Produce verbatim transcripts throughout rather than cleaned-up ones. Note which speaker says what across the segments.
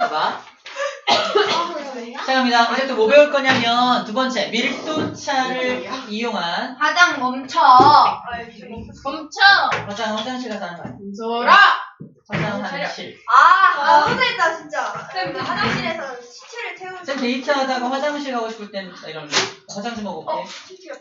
Speaker 1: 봐봐. 자, 갑니다. 이제 또 뭐 배울 거냐면 두 번째 밀도차를 이용한
Speaker 2: 화장 멈춰.
Speaker 3: 멈춰.
Speaker 1: 화장 화장실 가서 하는 거 아니야?
Speaker 3: 멈춰라.
Speaker 1: 화장하는 실.
Speaker 4: 아, 너무했다 진짜. 쌤, 화장실에서 시체를 태우는.
Speaker 1: 쌤 데이트하다가 화장실 가고 싶을 땐 이런 화장실 먹어볼게.
Speaker 4: 어, 시체가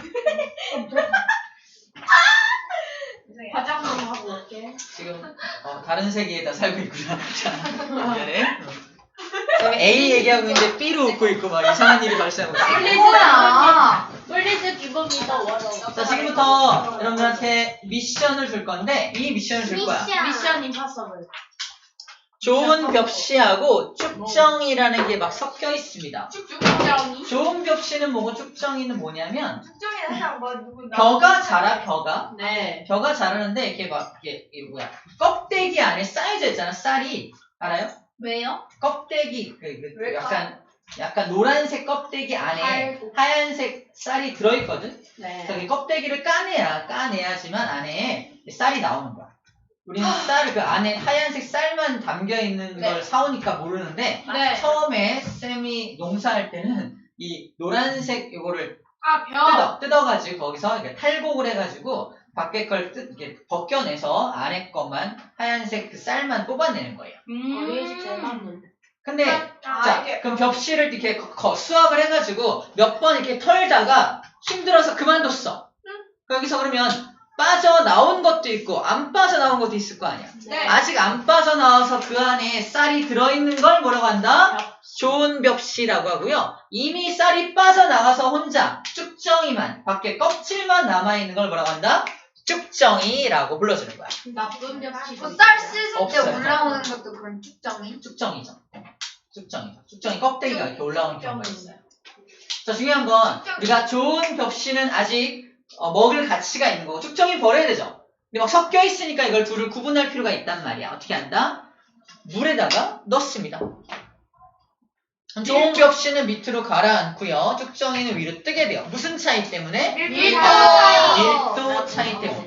Speaker 3: 화장품 하고 올게.
Speaker 1: 지금 어, 다른 세계에다 살고 있구나. 자, 미안해. 쌤 A 얘기하고 있는데 B로 웃고 있고 막 이상한 일이 발생하고 있어.
Speaker 2: 뭐야?
Speaker 3: 플리즈 기본이다 워러.
Speaker 1: 자, 지금부터 여러분들한테 미션을 줄 건데 이 미션을 줄 거야.
Speaker 3: 미션 임파서블.
Speaker 1: 좋은 벽시하고 쭉정이라는 게 막 섞여 있습니다.
Speaker 3: 쭉쭉정이.
Speaker 1: 좋은 벽시는 뭐고 쭉정이는 뭐냐면
Speaker 4: 특정이는 항상 뭐 누구
Speaker 1: 벼가 자라 벼가
Speaker 3: 네.
Speaker 1: 벼가 자라는데 이렇게 막 이게, 이게 뭐야 껍데기 안에 쌓여져 있잖아. 쌀이 알아요?
Speaker 3: 왜요?
Speaker 1: 껍데기 그, 그
Speaker 4: 왜일까?
Speaker 1: 약간 약간 노란색 껍데기 안에
Speaker 3: 알고.
Speaker 1: 하얀색 쌀이 들어있거든.
Speaker 3: 네.
Speaker 1: 그래서 이 껍데기를 까내야 까내야지만 안에 쌀이 나오는 거야. 우리는 쌀 그 안에 하얀색 쌀만 담겨 있는
Speaker 3: 네.
Speaker 1: 걸 사오니까 모르는데
Speaker 3: 네.
Speaker 1: 처음에 쌤이 농사할 때는 이 노란색 이거를
Speaker 3: 아 벼.
Speaker 1: 뜯어 뜯어가지고 거기서 이렇게 탈곡을 해가지고 밖에 걸 뜯, 이렇게 벗겨내서 안에 것만 하얀색 그 쌀만 뽑아내는 거예요.
Speaker 3: 음. 어린이집 제일 많은데.
Speaker 1: 근데
Speaker 4: 아,
Speaker 1: 자
Speaker 4: 이게-
Speaker 1: 그럼 벽실을 이렇게 거- 거- 수확을 해가지고 몇 번 이렇게 털다가 힘들어서 그만뒀어. 여기서 그러면 빠져나온 것도 있고 안 빠져나온 것도 있을 거 아니야.
Speaker 3: 네.
Speaker 1: 아직 안 빠져나와서 그 안에 쌀이 들어있는 걸 뭐라고 한다? 좋은 벽시라고 하고요. 이미 쌀이 빠져나와서 혼자 쭉정이만 밖에 껍질만 남아있는 걸 뭐라고 한다? 쭉정이라고 불러주는 거야.
Speaker 3: 나쁜 벽지.
Speaker 2: 쌀 씻을 때
Speaker 1: 없어요.
Speaker 2: 올라오는 것도 그런 쭉정이?
Speaker 1: 쭉정이죠. 쭉정이죠. 쭉정이 껍데기가 이렇게 올라오는 경우가 있어요. 자, 중요한 건 우리가 좋은 벽시는 아직 어, 먹을 가치가 있는 거고 쭉정이 버려야 되죠. 근데 막 섞여 있으니까 이걸 둘을 구분할 필요가 있단 말이야. 어떻게 한다? 물에다가 넣습니다. 좋은 벽시는 밑으로 가라앉고요. 쭉정이는 위로 뜨게 돼요. 무슨 차이 때문에?
Speaker 2: 밀도
Speaker 1: 밀도 차이 때문에.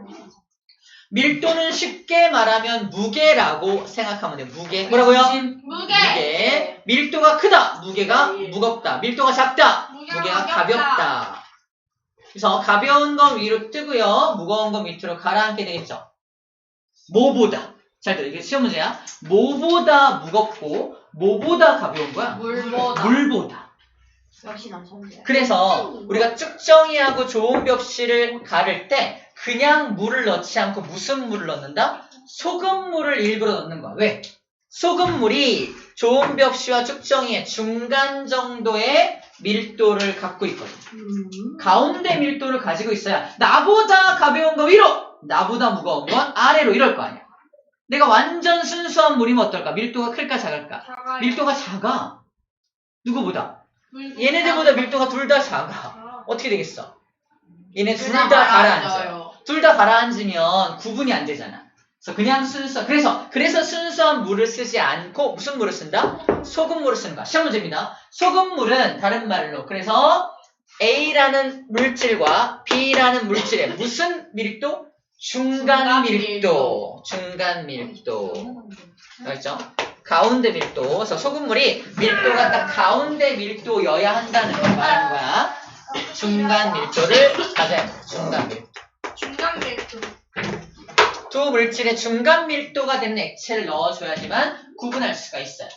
Speaker 1: 밀도는 쉽게 말하면 무게라고 생각하면 돼요. 무게. 뭐라고요?
Speaker 3: 무게.
Speaker 1: 무게. 밀도가 크다. 무게가 무겁다. 밀도가 작다.
Speaker 3: 무게가
Speaker 1: 무게가
Speaker 3: 가볍다.
Speaker 1: 가볍다. 그래서 가벼운 건 위로 뜨고요. 무거운 건 밑으로 가라앉게 되겠죠. 뭐보다. 잘 들어. 이게 시험 문제야. 뭐보다 무겁고 뭐보다 가벼운 거야?
Speaker 3: 물보다.
Speaker 1: 물보다.
Speaker 3: 역시 남성들.
Speaker 1: 그래서 우리가 쭉정이하고 좋은 벽시를 가를 때 그냥 물을 넣지 않고 무슨 물을 넣는다? 소금물을 일부러 넣는 거야. 왜? 소금물이 좋은 벽시와 쭉정이의 중간 정도의 밀도를 갖고 있거든.
Speaker 3: 음.
Speaker 1: 가운데 밀도를 가지고 있어야 나보다 가벼운 거 위로, 나보다 무거운 건 아래로 이럴 거 아니야. 내가 완전 순수한 물이면 어떨까? 밀도가 클까 작을까?
Speaker 3: 작아요.
Speaker 1: 밀도가 작아. 누구보다?
Speaker 3: 물보다.
Speaker 1: 얘네들보다 밀도가 둘 다 작아. 어떻게 되겠어? 얘네 둘
Speaker 3: 둘다
Speaker 1: 다 가라앉아요.
Speaker 3: 가라앉아요.
Speaker 1: 둘 다 가라앉으면 구분이 안 되잖아. 그래서 그냥 순수, 그래서, 그래서 순수한 물을 쓰지 않고 무슨 물을 쓴다? 소금물을 쓰는 거야. 시험 문제입니다. 소금물은 다른 말로, 그래서 A라는 물질과 B라는 물질의 무슨 밀도? 중간
Speaker 3: 중간
Speaker 1: 밀도. 중간 밀도. 알죠? 가운데 밀도. 그래서 소금물이 밀도가 딱 가운데 밀도여야 한다는 걸 말하는 거야. 중간 밀도를 가져야 돼. 중간 밀도.
Speaker 4: 중간 밀도.
Speaker 1: 두 물질의 중간 밀도가 되는 액체를 넣어줘야지만 구분할 수가 있어요.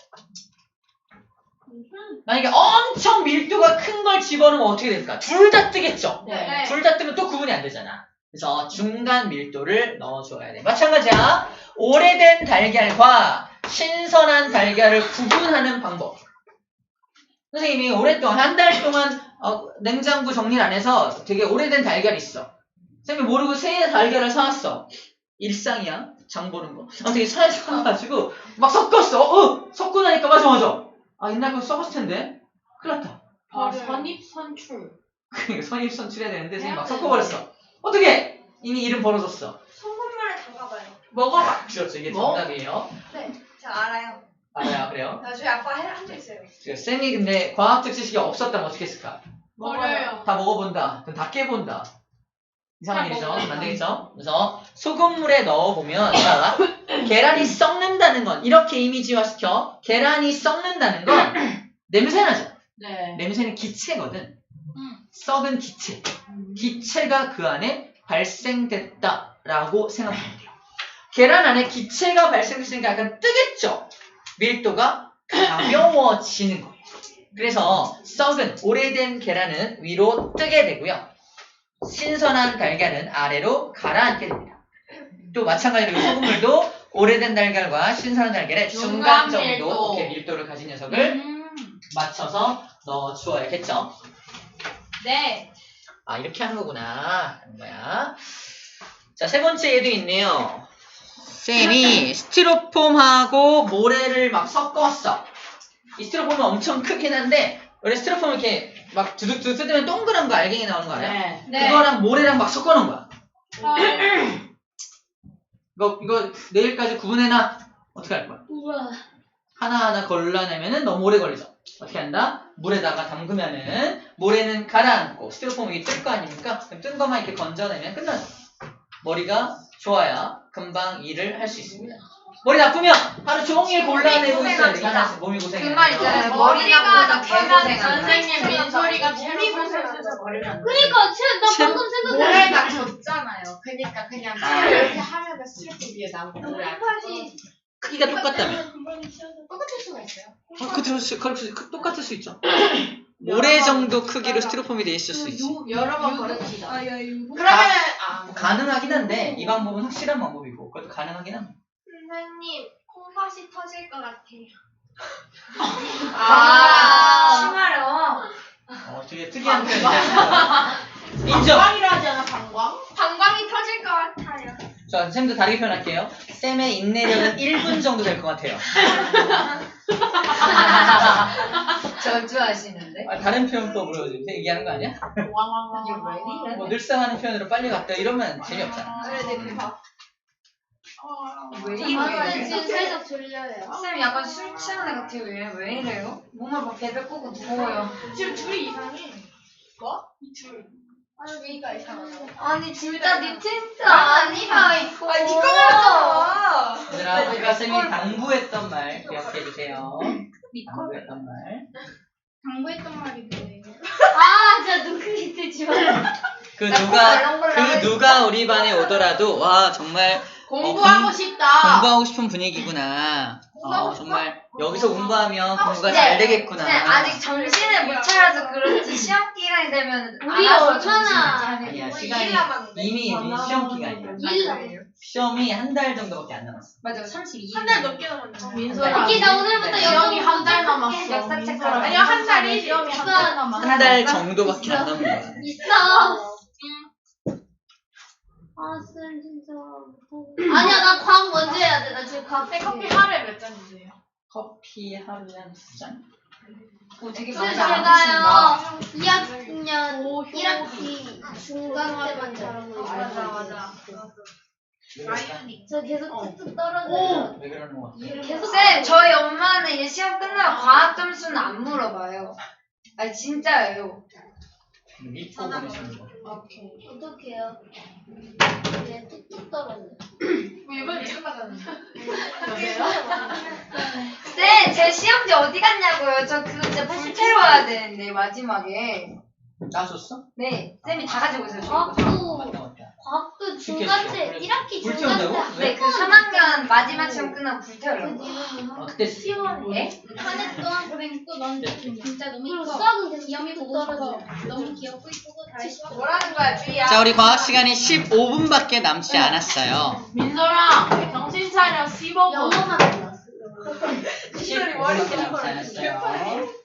Speaker 1: 만약에 엄청 밀도가 큰 걸 집어넣으면 어떻게 될까? 둘 다 뜨겠죠?
Speaker 3: 네.
Speaker 1: 둘 다 뜨면 또 구분이 안 되잖아. 그래서 중간 밀도를 넣어줘야 돼. 마찬가지야. 오래된 달걀과 신선한 달걀을 구분하는 방법. 선생님이 오랫동안, 한 달 동안 어, 냉장고 정리를 안 해서 되게 오래된 달걀이 있어. 선생님이 모르고 새 달걀을 사왔어. 일상이야. 장 보는 거. 아무튼 사에 사가지고 막 섞었어. 어, 섞고 나니까 맞아 맞아. 아 옛날 거 썩었을 텐데. 큰일 났다.
Speaker 3: 아, 선입선출.
Speaker 1: 그러니까 선입선출해야 되는데 선생님 막 섞어버렸어. 어떻게? 이미 이름 벌어졌어.
Speaker 4: 소금물에 담가봐요.
Speaker 3: 먹어봐.
Speaker 1: 그렇죠. 이게
Speaker 3: 뭐?
Speaker 1: 정답이에요.
Speaker 4: 네, 제가 알아요.
Speaker 1: 알아요. 그래요.
Speaker 4: 나 저희 아빠 한 적 있어요.
Speaker 1: 지금 쌤이 근데 과학적 지식이 없었다면 어떻게 했을까?
Speaker 3: 먹어요.
Speaker 1: 다 먹어본다. 그럼 다 깨본다. 이상한
Speaker 3: 다
Speaker 1: 일이죠.
Speaker 3: 먹어본다.
Speaker 1: 안 되겠죠? 그래서 소금물에 넣어보면 자, 계란이 썩는다는 건 이렇게 이미지화시켜. 계란이 썩는다는 건 냄새 나죠.
Speaker 3: 네.
Speaker 1: 냄새는 기체거든.
Speaker 3: 음.
Speaker 1: 썩은 기체. 기체가 그 안에 발생됐다라고 생각하면 돼요. 계란 안에 기체가 발생됐으니까 약간 뜨겠죠. 밀도가 가벼워지는 거예요. 그래서 썩은 오래된 계란은 위로 뜨게 되고요. 신선한 달걀은 아래로 가라앉게 됩니다. 또 마찬가지로 소금물도 오래된 달걀과 신선한 달걀의 중간
Speaker 3: 중간
Speaker 1: 정도
Speaker 3: 밀도.
Speaker 1: 이렇게 밀도를 가진 녀석을
Speaker 3: 음.
Speaker 1: 맞춰서 넣어주어야겠죠.
Speaker 3: 네.
Speaker 1: 아, 이렇게 하는 거구나 하는 거야. 자, 세 번째 얘도 있네요. 쌤이 스티로폼하고 모래를 막 섞었어. 이 스티로폼은 엄청 크긴 한데 원래 스티로폼 이렇게 막 두둑두둑 뜯으면 동그란 거 알갱이 나오는 거 알아요?
Speaker 3: 네.
Speaker 2: 네.
Speaker 1: 그거랑 모래랑 막 섞어놓은 거야.
Speaker 3: 아,
Speaker 1: 이거 이거 내일까지 구분해놔. 어떻게 할 거야?
Speaker 2: 우와.
Speaker 1: 하나하나 걸러내면은 너무 오래 걸리죠. 어떻게 한다? 물에다가 담그면은 모래는 가라앉고 스티로폼 이게 뜰 거 아닙니까? 그럼 뜬 것만 이렇게 건져내면 끝나죠. 머리가 좋아야 금방 일을 할 수 있습니다. 머리 나쁘면 하루 종일 골라내고 있어야 돼.
Speaker 2: 고생합니다.
Speaker 1: 몸이 고생해.
Speaker 2: 그 말 있잖아요.
Speaker 3: 머리가
Speaker 2: 머리가
Speaker 3: 나쁘면
Speaker 2: 나쁘면
Speaker 3: 선생님 민소리가
Speaker 2: 머리
Speaker 3: 채로
Speaker 2: 고생해서
Speaker 3: 버리면
Speaker 2: 그러니까 쟤, 나
Speaker 1: 쟤-
Speaker 2: 방금 생각해.
Speaker 3: 모래가 졌잖아요. 그러니까 그냥
Speaker 1: 아.
Speaker 3: 이렇게 하면 스티로폼 위에 나오고 모래 안
Speaker 2: 똑같이
Speaker 1: 크기가 똑같다며.
Speaker 3: 똑같을 수가 있어요.
Speaker 1: 어, 그럴 수, 그럴 수, 그- 똑같을 수 있죠. 모래 정도 크기로 스티로폼이 돼 있을 수 있지.
Speaker 3: 여러 번 버립시다.
Speaker 2: 아, 야, 이거.
Speaker 3: 그러면 아,
Speaker 1: 가능하긴 한데 이 방법은 확실한 방법이고 그것도 가능하긴 합니다.
Speaker 4: 선생님, 콩팥이 터질 것 같아요.
Speaker 3: 아,
Speaker 2: 심하려.
Speaker 1: 어, 되게 특이한 표현이다. 인정.
Speaker 3: 방광이라 하잖아, 방광.
Speaker 4: 방광이 터질 것 같아요.
Speaker 1: 자, 쌤도 다르게 표현할게요. 쌤의 인내력은 일 분 정도 될 것 같아요.
Speaker 2: 저주하시는데?
Speaker 1: 아, 다른 표현법으로 이렇게 얘기하는 거 아니야?
Speaker 3: 왕왕왕왕.
Speaker 1: 뭐 늘상 하는 표현으로 빨리 갔다 이러면 재미없잖아.
Speaker 4: 그래, 내 봐.
Speaker 2: 왜
Speaker 4: 저는 지금
Speaker 2: 이래?
Speaker 4: 살짝 졸려요.
Speaker 2: 쌤 약간 술 취한 애 같아요. 왜, 왜 이래요? 몸을 막 베베 꼬고 누워요.
Speaker 3: 지금 둘이 이상해. 뭐? 이 둘.
Speaker 4: 아니, 니가 이상하다.
Speaker 2: 아니 진짜 니 진짜 아니야 이거.
Speaker 4: 아니, 니가 말했잖아.
Speaker 1: 얘들아, 아까 쌤이 당부했던 말 기억해주세요. 당부했던 말.
Speaker 4: 당부했던 말이 뭐예요?
Speaker 2: 아 진짜 눈크기 뜨지 마.
Speaker 1: 그
Speaker 2: 나
Speaker 1: 누가,
Speaker 2: 꼭
Speaker 1: 그 누가 우리 반에 오더라도, 와, 정말
Speaker 3: 공부하고
Speaker 1: 공-
Speaker 3: 싶다.
Speaker 1: 공부하고 싶은 분위기구나. 어, 정말 여기서 공부하면 공부가
Speaker 2: 네.
Speaker 1: 잘 되겠구나.
Speaker 2: 네, 아직 정신을 못 차려서 그렇지 시험 기간이 되면
Speaker 4: 우리
Speaker 2: 알아서
Speaker 4: 얼마나
Speaker 2: 정신을
Speaker 1: 아니야,
Speaker 2: 차리고.
Speaker 1: 시간이
Speaker 4: 일 남았는데.
Speaker 1: 이미 이미 시험 기간이야.
Speaker 2: 일
Speaker 1: 시험이 한 달 정도밖에 안 남았어.
Speaker 2: 맞아 삼십이 일.
Speaker 4: 한 달 넘게 남았네.
Speaker 3: 민소라.
Speaker 2: 오케이, 나 오늘부터
Speaker 1: 네.
Speaker 3: 시험이
Speaker 2: 영어
Speaker 3: 한 달
Speaker 2: 공부
Speaker 3: 남았어.
Speaker 2: 시작할게. 역사 책
Speaker 3: 민소라.
Speaker 2: 가자.
Speaker 3: 아니요, 한 달이 시험이 한 달
Speaker 2: 있어.
Speaker 3: 남았어.
Speaker 1: 한 달 정도밖에 안 남은 거야.
Speaker 2: 있어. 아, 쌤 진짜 못하겠어. 아니야, 나 과학 먼저 해야 돼. 나 지금 과학
Speaker 3: 네, 커피 하루에 몇 잔이세요?
Speaker 1: 커피 하루에 한 두 잔?
Speaker 2: 오, 되게
Speaker 4: 쌤,
Speaker 2: 많이
Speaker 4: 제가요
Speaker 2: 안
Speaker 4: 이 학년
Speaker 3: 오,
Speaker 4: 일 학기 중간 때만 잘하고 있어요.
Speaker 2: 맞아, 맞아.
Speaker 1: 왜 그럴까?
Speaker 4: 저 계속 뚝뚝 떨어져요.
Speaker 1: 왜 그러는 거 같아?
Speaker 4: 계속
Speaker 2: 쌤, 저희 엄마는 이제 시험 끝나면 과학 점수는 안 물어봐요. 아니, 진짜예요.
Speaker 1: 믿고 보내시는 거.
Speaker 4: 어떡해요? 네, 뚝뚝 떨어져요.
Speaker 3: 뭐 이번에 착하다는데.
Speaker 2: 쌤, 제 시험지 어디 갔냐고요? 저 그거 진짜 불태워야 되는데, 마지막에.
Speaker 1: 따줬어?
Speaker 2: 네, 쌤이 다 가지고 있어요, 저희 거.
Speaker 4: 과학도
Speaker 1: 맞다, 맞다.
Speaker 4: 과학도
Speaker 1: 죽겠어.
Speaker 4: 중간때 일 학기
Speaker 1: 불
Speaker 4: 중간때
Speaker 1: 태운다고?
Speaker 2: 네, 그 삼 학년 마지막 시험 끝나고 불태우려고.
Speaker 1: 어, 그때
Speaker 2: 네?
Speaker 4: 한해 동안 고생 또 너무
Speaker 1: 네.
Speaker 4: 진짜 너무 이뻐. 수학은 계속 귀엽고 떨어져. 너무 귀엽고 이쁘고 잘했어.
Speaker 2: 뭐라는 거야, 주희야?
Speaker 1: 자, 우리 과학 시간이 십오 분밖에 남지 않았어요.
Speaker 3: 민소라, 정신 차려. 십오 분.
Speaker 4: 영어만 배웠어.
Speaker 1: 십오 분밖에 남지 않았어요.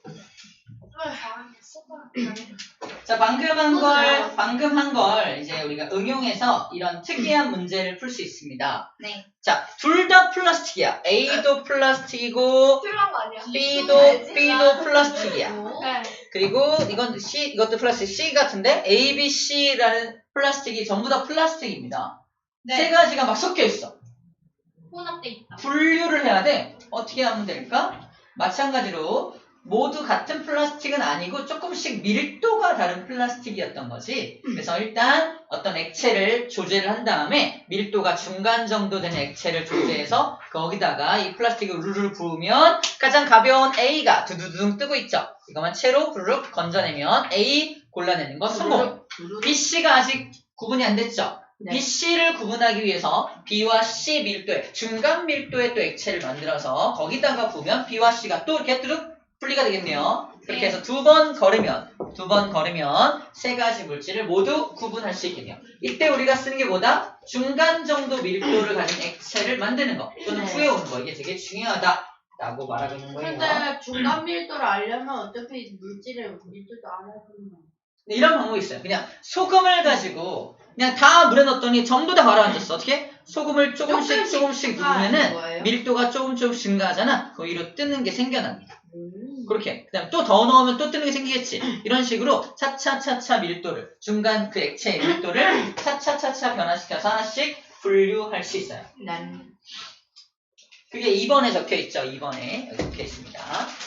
Speaker 1: 자, 방금 한 걸, 방금 한 걸 이제 우리가 응용해서 이런 특이한 문제를 풀 수 있습니다.
Speaker 2: 네.
Speaker 1: 자, 둘 다 플라스틱이야. A도 플라스틱이고,
Speaker 4: 필요한 거 아니야?
Speaker 1: B도, B도 플라스틱이야.
Speaker 3: 네.
Speaker 1: 그리고 이건 C, 이것도 플라스틱 C 같은데, A, B, C라는 플라스틱이 전부 다 플라스틱입니다.
Speaker 3: 네.
Speaker 1: 세 가지가 막 섞여 있어.
Speaker 3: 혼합돼 있다.
Speaker 1: 분류를 해야 돼. 어떻게 하면 될까? 마찬가지로 모두 같은 플라스틱은 아니고 조금씩 밀도가 다른 플라스틱이었던 거지. 그래서 일단 어떤 액체를 조제를 한 다음에 밀도가 중간 정도 되는 액체를 조제해서 거기다가 이 플라스틱을 우르르 부으면 가장 가벼운 A가 두두두둥 뜨고 있죠. 이것만 채로 부르륵 건져내면 A 골라내는 거 성공. B, C가 아직 구분이 안 됐죠.
Speaker 3: 네.
Speaker 1: B, C를 구분하기 위해서 B와 C 밀도의 중간 밀도의 또 액체를 만들어서 거기다가 부으면 B와 C가 또 이렇게 뚜둑 분리가 되겠네요. 그렇게 해서 두 번 걸으면 두 번 걸으면 세 가지 물질을 모두 구분할 수 있겠네요. 이때 우리가 쓰는 게 뭐다? 중간 정도 밀도를 가진 액체를 만드는 거 또는
Speaker 3: 네.
Speaker 1: 구해오는 거. 이게 되게 중요하다라고 말하고 있는 거예요.
Speaker 3: 근데 중간 밀도를 알려면 어차피 물질의 밀도도 알아야 되는 거야.
Speaker 1: 네, 이런 방법이 있어요. 그냥 소금을 가지고 그냥 다 물에 넣었더니 전부 다 가라앉았어. 어떻게? 소금을 조금씩
Speaker 3: 조금씩
Speaker 1: 조금씩
Speaker 3: 증가하는
Speaker 1: 누르면은
Speaker 3: 거예요?
Speaker 1: 밀도가 조금 조금 증가하잖아. 그 위로 뜨는 게 생겨납니다.
Speaker 3: 음.
Speaker 1: 그렇게. 그 다음에 또 더 넣으면 또 뜨는 게 생기겠지. 이런 식으로 차차차차 밀도를, 중간 그 액체의 밀도를 차차차차 변화시켜서 하나씩 분류할 수 있어요.
Speaker 3: 난
Speaker 1: 그게 이 번에 적혀 있죠. 이 번에 여기 적혀 있습니다.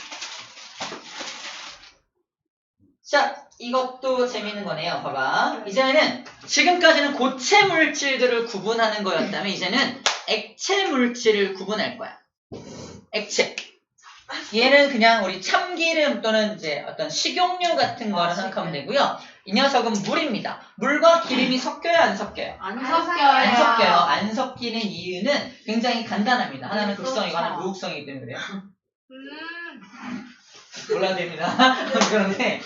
Speaker 1: 자, 이것도 재밌는 거네요. 봐봐. 이제는 지금까지는 고체 물질들을 구분하는 거였다면 이제는 액체 물질을 구분할 거야. 액체. 얘는 그냥 우리 참기름 또는 이제 어떤 식용유 같은 거라 생각하면 되고요. 이 녀석은 물입니다. 물과 기름이 섞여요, 안 섞여요?
Speaker 3: 안
Speaker 2: 안
Speaker 3: 섞여요.
Speaker 1: 안 섞여요. 안 섞이는 이유는 굉장히 간단합니다. 하나는 극성이고 하나는 무극성이기 때문에 그래요.
Speaker 3: 음.
Speaker 1: 몰라도 됩니다. 그런데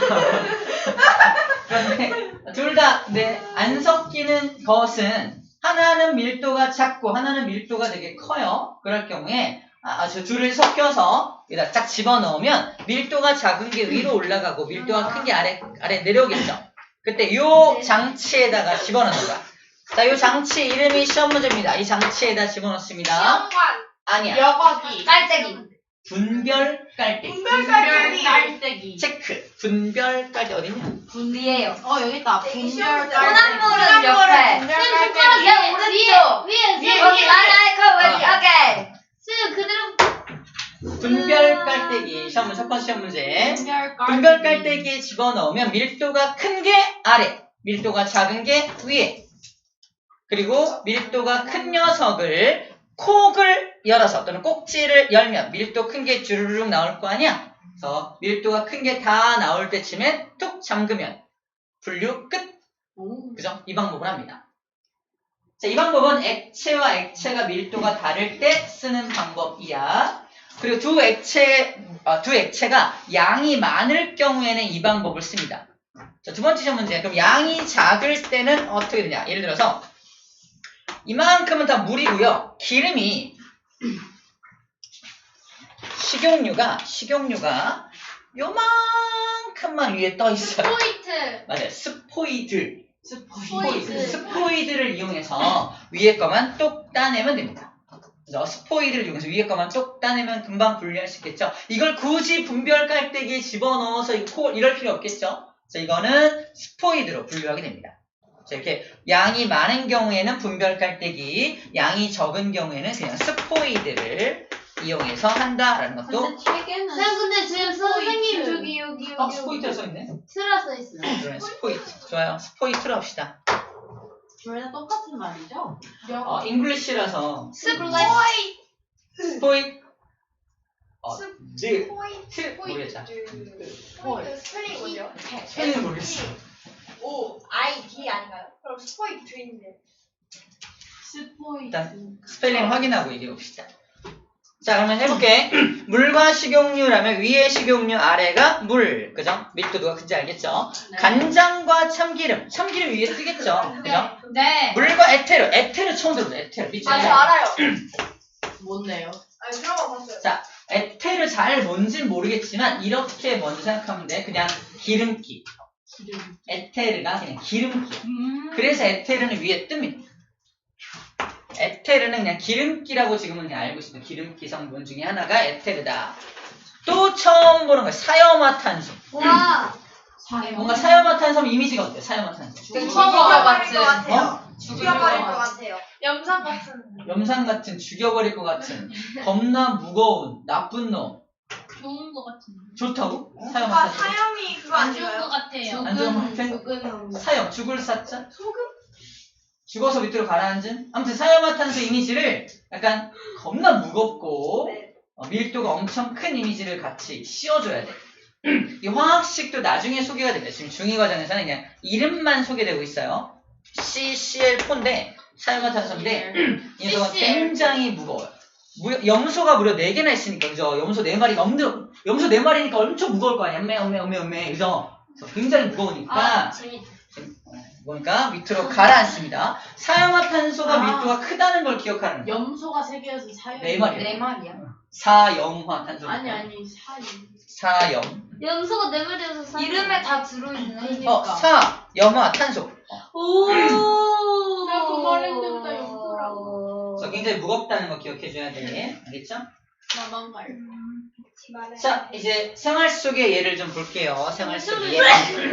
Speaker 1: 그런데 둘 다 네, 안 섞이는 것은 하나는 밀도가 작고 하나는 밀도가 되게 커요. 그럴 경우에 아, 저 둘을 섞여서 여기다 딱 집어넣으면 밀도가 작은 게 위로 올라가고 밀도가 큰 게 아래 아래 내려오겠죠. 그때 요 장치에다가 집어넣는 거야. 자, 요 장치 이름이 시험 문제입니다. 이 장치에다 집어넣습니다.
Speaker 3: 시험관
Speaker 1: 아니야.
Speaker 3: 여과기
Speaker 2: 깔때기.
Speaker 1: 분별 깔때기.
Speaker 3: 분별 깔때기
Speaker 1: 체크. 분별 깔때기 어딨냐?
Speaker 2: 분리해요.
Speaker 3: 어 여기 있다 분별
Speaker 2: 소나물은 옆에.
Speaker 3: 분별
Speaker 4: 쌤
Speaker 3: 깔때기
Speaker 4: 숟가락
Speaker 2: 위에
Speaker 4: 위에
Speaker 2: 오른쪽.
Speaker 4: 위에
Speaker 3: 위에,
Speaker 4: 쌤
Speaker 2: 여기 라이라이 커
Speaker 1: 어.
Speaker 2: 오케이.
Speaker 4: 쌤 그대로
Speaker 1: 분별 깔때기. 시험 문제 첫 번째 시험 문제.
Speaker 3: 분별 깔때기
Speaker 1: 분별 깔때기에 집어넣으면 밀도가 큰 게 아래, 밀도가 작은 게 위에. 그리고 밀도가 큰 녀석을 콕을 열어서 또는 꼭지를 열면 밀도 큰 게 주르륵 나올 거 아니야? 그래서 밀도가 큰 게 다 나올 때쯤에 툭 잠그면 분류 끝.
Speaker 3: 오.
Speaker 1: 그죠? 이 방법을 합니다. 자, 이 방법은 액체와 액체가 밀도가 다를 때 쓰는 방법이야. 그리고 두 액체, 어, 두 액체가 양이 많을 경우에는 이 방법을 씁니다. 자, 두 번째 시험 문제. 그럼 양이 작을 때는 어떻게 되냐? 예를 들어서 이만큼은 다 물이고요. 기름이 식용유가 식용유가 요만큼만 위에 떠 있어요.
Speaker 4: 포인트
Speaker 1: 맞아요. 스포이드.
Speaker 3: 스포이드
Speaker 1: 스포이드. 스포이드를 이용해서 위에 거만 똑 따내면 됩니다. 그래서 스포이드를 이용해서 위에 거만 똑 따내면 금방 분리할 수 있겠죠. 이걸 굳이 분별 깔때기에 집어넣어서 이 코, 이럴 필요 없겠죠. 그래서 이거는 스포이드로 분류하게 됩니다. 자, 이렇게 양이 많은 경우에는 분별 깔때기, 양이 적은 경우에는 그냥 스포이드를 이용해서 한다라는 것도.
Speaker 3: 근데 책에는
Speaker 4: 쌤 근데 지금 선생님
Speaker 3: 스포이트.
Speaker 4: 저기 여기 여기
Speaker 1: 어, 스포이드가 써있네.
Speaker 4: 쓰라 써 있어요.
Speaker 1: 그러네, 스포이드. 좋아요. 스포이드로 합시다.
Speaker 3: 둘 다 똑같은 말이죠?
Speaker 1: 어, 잉글리시라서
Speaker 2: 스포이트.
Speaker 1: 스포이드. 어, 드.
Speaker 2: 스포이트.
Speaker 1: 트. 모르겠다.
Speaker 3: 스포이트
Speaker 2: 스펠링 뭐죠?
Speaker 1: 스펠링 모르겠어.
Speaker 2: O I D 아닌가요? 그럼 스포이트인데.
Speaker 3: 스포이드
Speaker 1: 일단 스펠링 확인하고 얘기해 봅시다. 자, 그러면 해볼게. 물과 식용유라면 위에 식용유, 아래가 물. 그죠? 밀도가 큰지 알겠죠?
Speaker 3: 네.
Speaker 1: 간장과 참기름. 참기름 위에 뜨겠죠? 그죠?
Speaker 2: 네.
Speaker 1: 물과 에테르. 에테르 처음 들어보죠. 에테르. 밑줄에.
Speaker 2: 아, 저 알아요.
Speaker 3: 뭔데요?
Speaker 2: 아, 들어만 봤어요.
Speaker 1: 자, 에테르 잘 뭔진 모르겠지만 이렇게 먼저 생각하면 돼. 그냥 기름기.
Speaker 3: 기름
Speaker 1: 에테르가 그냥 기름기.
Speaker 3: 음.
Speaker 1: 그래서 에테르는 위에 뜹니다. 에테르는 그냥 기름기라고 지금은 그냥 알고 있습니다. 기름기 성분 중에 하나가 에테르다. 또 처음 보는 거예요. 사염화탄소.
Speaker 4: 와
Speaker 3: 사요
Speaker 1: 뭔가 사염화탄소 이미지가 어때요? 사염화탄소.
Speaker 2: 죽여버릴
Speaker 3: 죽여버릴
Speaker 2: 것
Speaker 3: 것
Speaker 2: 같아요.
Speaker 1: 어?
Speaker 2: 죽여버릴 것 같아요.
Speaker 3: 염산 같은
Speaker 1: 염산 같은 죽여버릴 것 같은 겁나 무거운 나쁜 놈.
Speaker 4: 좋은 거 같은데.
Speaker 1: 좋다고?
Speaker 5: 오빠
Speaker 1: 사용한 탄소.
Speaker 5: 사형이 그거
Speaker 4: 안 좋은
Speaker 5: 아닌가요?
Speaker 4: 거 같아요.
Speaker 1: 안 좋은 거 같아?
Speaker 2: 죽은
Speaker 1: 사형, 죽을 사자?
Speaker 5: 소금?
Speaker 1: 죽어서 밑으로 가라앉은? 아무튼 사형화탄소 이미지를 약간 겁나 무겁고
Speaker 5: 네.
Speaker 1: 어, 밀도가 엄청 큰 이미지를 같이 씌워줘야 돼. 이 화학식도 나중에 소개가 됩니다. 지금 중이 과정에서는 그냥 이름만 소개되고 있어요. 씨씨엘사인데 사형화탄소인데 이 녀석은
Speaker 4: 씨씨엘.
Speaker 1: 굉장히 무거워요. 무, 염소가 무려 네 개나 있으니까 그죠? 염소 네 마리가 엄청 염소 네 마리니까 엄청 무거울 거 아니야? 엄매 엄매 엄매 엄매 그죠? 그래서 굉장히 무거우니까
Speaker 4: 아, 재밌다.
Speaker 1: 그러니까 밑으로 가라앉습니다. 사형화탄소가
Speaker 3: 아.
Speaker 1: 밀도가 크다는 걸 기억하는 거예요.
Speaker 3: 염소가 세 개여서 사형.
Speaker 1: 네 마리.
Speaker 2: 네 마리야.
Speaker 1: 사형화탄소.
Speaker 3: 아니 아니 사형.
Speaker 1: 사형.
Speaker 4: 염소가 네 마리여서 사.
Speaker 2: 이름에 다 들어있네.
Speaker 1: 어, 사형화탄소.
Speaker 4: 오.
Speaker 3: 내가 그 말했는데 염소라고.
Speaker 1: 그래서 굉장히 무겁다는 거 기억해줘야 돼. 알겠죠?
Speaker 3: 나만 갈.
Speaker 1: 자, 이제 생활 속의 예를 좀 볼게요. 생활 속의 예.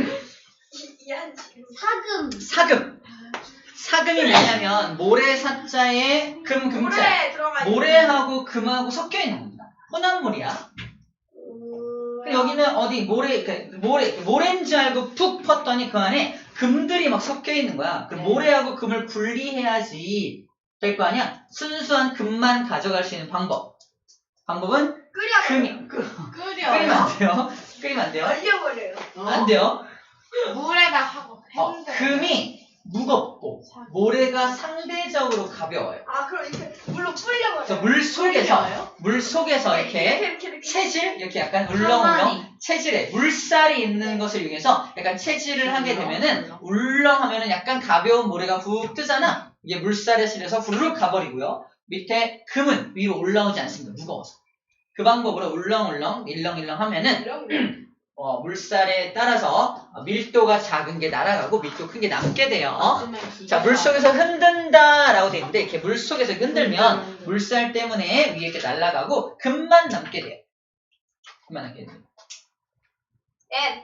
Speaker 4: 사금.
Speaker 1: 사금. 사금이 뭐냐면 모래사자에 금, 금자.
Speaker 5: 물에 들어가 있는
Speaker 1: 모래하고 금하고 섞여 있는 겁니다. 혼합물이야. 근데 여기는 어디 모래, 그 모래, 모래인 줄 알고 푹 펐더니 그 안에 금들이 막 섞여 있는 거야. 그 모래하고 금을 분리해야지 될 거 아니야? 순수한 금만 가져갈 수 있는 방법. 방법은
Speaker 5: 끓여
Speaker 1: 금이, 끓,
Speaker 3: 끓여.
Speaker 1: 끓이면 안 돼요. 끓이면 안 돼요.
Speaker 5: 얼려버려요.
Speaker 1: 안 돼요.
Speaker 3: 물에다 하고.
Speaker 1: 어,
Speaker 3: 했는데.
Speaker 1: 금이 무겁고 모래가 상대적으로 가벼워요.
Speaker 5: 아 그럼 이렇게 물로 불려버려요.
Speaker 1: 그래서 물 속에서
Speaker 3: 끓여요?
Speaker 1: 물 속에서 이렇게
Speaker 5: 이렇게 이렇게 이렇게
Speaker 1: 체질 이렇게 약간 울렁울렁
Speaker 2: 가만히.
Speaker 1: 체질에 물살이 있는 것을 이용해서 약간 체질을 하게 되면은 울렁하면은 약간 가벼운 모래가 훅 뜨잖아. 이게 물살에 실려서 후루룩 가버리고요. 밑에 금은 위로 올라오지 않습니다. 무거워서. 그 방법으로 울렁울렁 일렁일렁 하면은
Speaker 5: 이런
Speaker 1: 어, 물살에 따라서 밀도가 작은 게 날아가고 밀도 큰 게 남게 돼요. 자, 물속에서 흔든다 라고 되어 있는데 이렇게 물속에서 흔들면 물살 때문에 위에 이렇게 날아가고 금만 남게 돼요. 금만 남게 돼요.
Speaker 5: 엔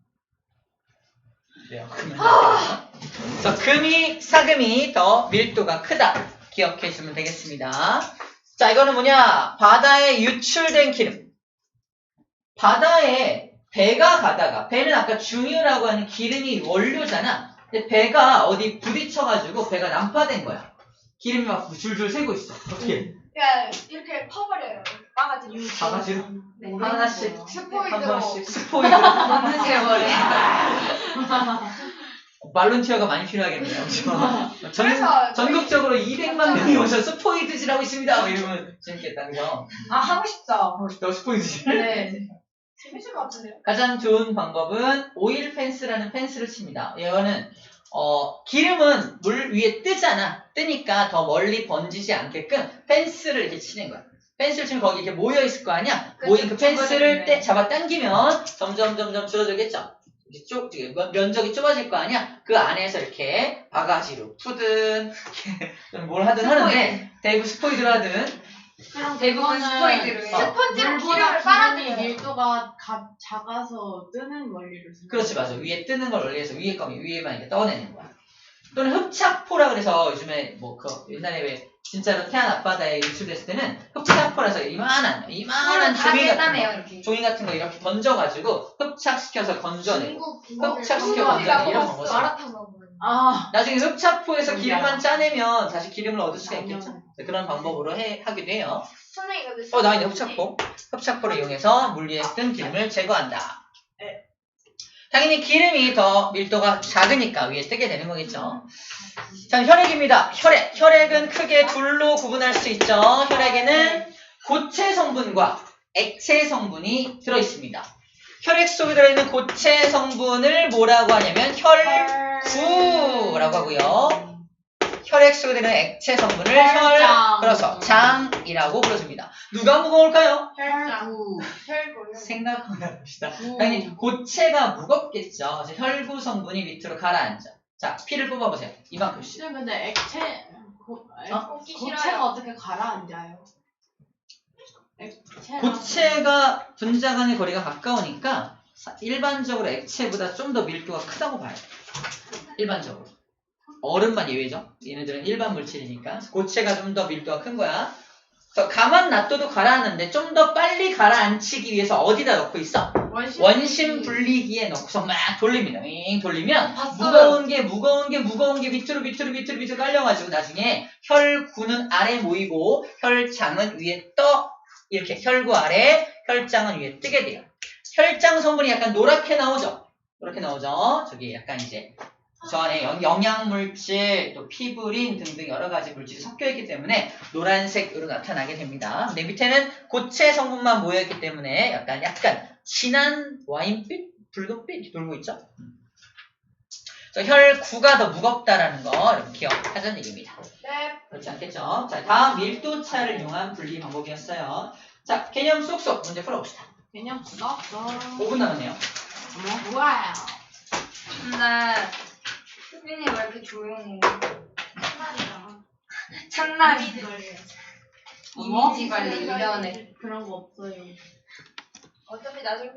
Speaker 1: 그래요. 금만 남게 돼요. 그래서 금이, 사금이 더 밀도가 크다. 기억해 주시면 되겠습니다. 자, 이거는 뭐냐? 바다에 유출된 기름. 바다에 배가 가다가, 배는 아까 중유라고 하는 기름이 원료잖아. 근데 배가 어디 부딪혀가지고 배가 난파된 거야. 기름이 막 줄줄 새고 있어. 어떻게?
Speaker 5: 그냥 이렇게 퍼버려요. 바가지로.
Speaker 1: 바가지로?
Speaker 5: 네.
Speaker 1: 하나씩, 한
Speaker 2: 스포이드로
Speaker 1: 번씩 스포이드.
Speaker 2: 넣는 세월에.
Speaker 1: 말론티어가 많이 필요하겠네요. 그렇죠? 전,
Speaker 5: 그래서
Speaker 1: 전국적으로 이백만 명이 오셔서 스포이드질하고 있습니다. 뭐 이러면 재밌겠다. 그죠?
Speaker 2: 아 하고 싶다.
Speaker 1: 하고 싶다. 스포이드질.
Speaker 2: 네.
Speaker 5: 재밌을 것 같은데요?
Speaker 1: 가장 좋은 방법은 오일 펜스라는 펜스를 칩니다. 이거는 어, 기름은 물 위에 뜨잖아. 뜨니까 더 멀리 번지지 않게끔 펜스를 이렇게 치는 거야. 펜스를 치면 거기 이렇게 모여 있을 거 아니야?
Speaker 2: 그쵸,
Speaker 1: 모인 그 펜스를
Speaker 2: 줄어들네.
Speaker 1: 떼, 잡아 당기면 점점 점점 줄어들겠죠. 이렇게 쭉 이렇게 면- 면적이 좁아질 거 아니야? 그 안에서 이렇게 바가지로 푸든 이렇게 뭘 하든 하는데 대구 스포이드를 하든
Speaker 2: 대부분 스포이드로 해요.
Speaker 1: 어.
Speaker 5: 스펀지로
Speaker 3: 물보다
Speaker 5: 기름을
Speaker 3: 기름이
Speaker 5: 빨아들여요.
Speaker 3: 밀도가 가, 작아서 뜨는 원리를 쓰는
Speaker 1: 그렇지 맞아. 위에 뜨는 걸 원리해서 위에 거면 위에만 이렇게 떠내는 거야. 또는 흡착포라 그래서 요즘에 뭐 그 옛날에 왜 진짜로 태안 앞바다에 유출됐을 때는 흡착포라서 이만한 이만한
Speaker 2: 다
Speaker 1: 종이 같은
Speaker 2: 깼다며요
Speaker 1: 거
Speaker 2: 이렇게.
Speaker 1: 종이 같은 거 이렇게 던져가지고 흡착시켜서 건져내고
Speaker 4: 중국
Speaker 1: 흡착시켜
Speaker 5: 우리가
Speaker 1: 건져내고 이런
Speaker 5: 먹었어.
Speaker 1: 방법.
Speaker 2: 마라탕 먹어요.
Speaker 3: 아,
Speaker 1: 나중에 흡착포에서
Speaker 3: 음,
Speaker 1: 기름만
Speaker 3: 야.
Speaker 1: 짜내면 다시 기름을 얻을 수가
Speaker 3: 양념.
Speaker 1: 있겠죠. 네, 그런 방법으로 해, 하기도 해요.
Speaker 5: 선생님 근데
Speaker 1: 어, 나있네, 흡착포. 흡착포를 이용해서 물 위에 뜬 기름을 제거한다.
Speaker 5: 네.
Speaker 1: 당연히 기름이 더 밀도가 작으니까 위에 뜨게 되는 거겠죠. 자, 혈액입니다. 혈액. 혈액은 크게 둘로 구분할 수 있죠. 혈액에는 고체 성분과 액체 성분이 들어있습니다. 혈액 속에 들어있는 고체 성분을 뭐라고 하냐면 혈구라고 하고요. 혈액 속에 들어있는 액체 성분을 혈,
Speaker 3: 혈장.
Speaker 1: 그래서 장이라고 불러줍니다. 누가 무거울까요?
Speaker 3: 혈구.
Speaker 5: 혈고요.
Speaker 1: 생각보다 봅시다.
Speaker 3: 구.
Speaker 1: 당연히 고체가 무겁겠죠. 그래서 혈구 성분이 밑으로 가라앉아. 자, 피를 뽑아보세요. 이만큼씩.
Speaker 3: 쌤, 근데 액체, 고, 액,
Speaker 1: 어?
Speaker 5: 뽑기
Speaker 3: 고체가
Speaker 5: 싫어요.
Speaker 3: 어떻게 가라앉아요? 액체랑-
Speaker 1: 고체가 분자 간의 거리가 가까우니까 사- 일반적으로 액체보다 좀 더 밀도가 크다고 봐요. 일반적으로. 얼음만 예외죠. 얘네들은 일반 물질이니까. 고체가 좀 더 밀도가 큰 거야. 그래서 가만 놔둬도 가라앉는데 좀 더 빨리 가라앉히기 위해서 어디다 넣고 있어?
Speaker 3: 원심,
Speaker 1: 원심 분리기에 넣고서 막 돌립니다. 윙 돌리면
Speaker 2: 봤어요.
Speaker 1: 무거운 게 무거운 게 무거운 게 밑으로 밑으로 밑으로 밑으로 깔려가지고 나중에 혈구는 아래 모이고 혈장은 위에 떠 이렇게 혈구 아래 혈장은 위에 뜨게 돼요. 혈장 성분이 약간 노랗게 나오죠. 노랗게 나오죠. 저기 약간 이제 저 안에 영- 영양물질, 또 피부린 등등 여러 가지 물질이 섞여 있기 때문에 노란색으로 나타나게 됩니다. 근데 밑에는 고체 성분만 모여있기 때문에 약간 약간 진한 와인빛, 붉은빛 이렇게 돌고 있죠. 그래서 혈구가 더 무겁다라는 거 이렇게 기억하자는 얘기입니다.
Speaker 5: 네.
Speaker 1: 그렇지 않겠죠? 자, 다음 밀도차를 이용한 분리 방법이었어요. 자, 개념 쏙쏙 문제 풀어봅시다.
Speaker 3: 개념 썼어.
Speaker 1: 오 분 남았네요.
Speaker 3: 뭐 좋아요.
Speaker 2: 근데 수빈이 왜 이렇게 조용해?
Speaker 5: 참말이다.
Speaker 2: 참나리
Speaker 3: 어머?
Speaker 2: 이미지 관리 일 년에
Speaker 3: 그런 거 없어요.
Speaker 5: 어차피 나중에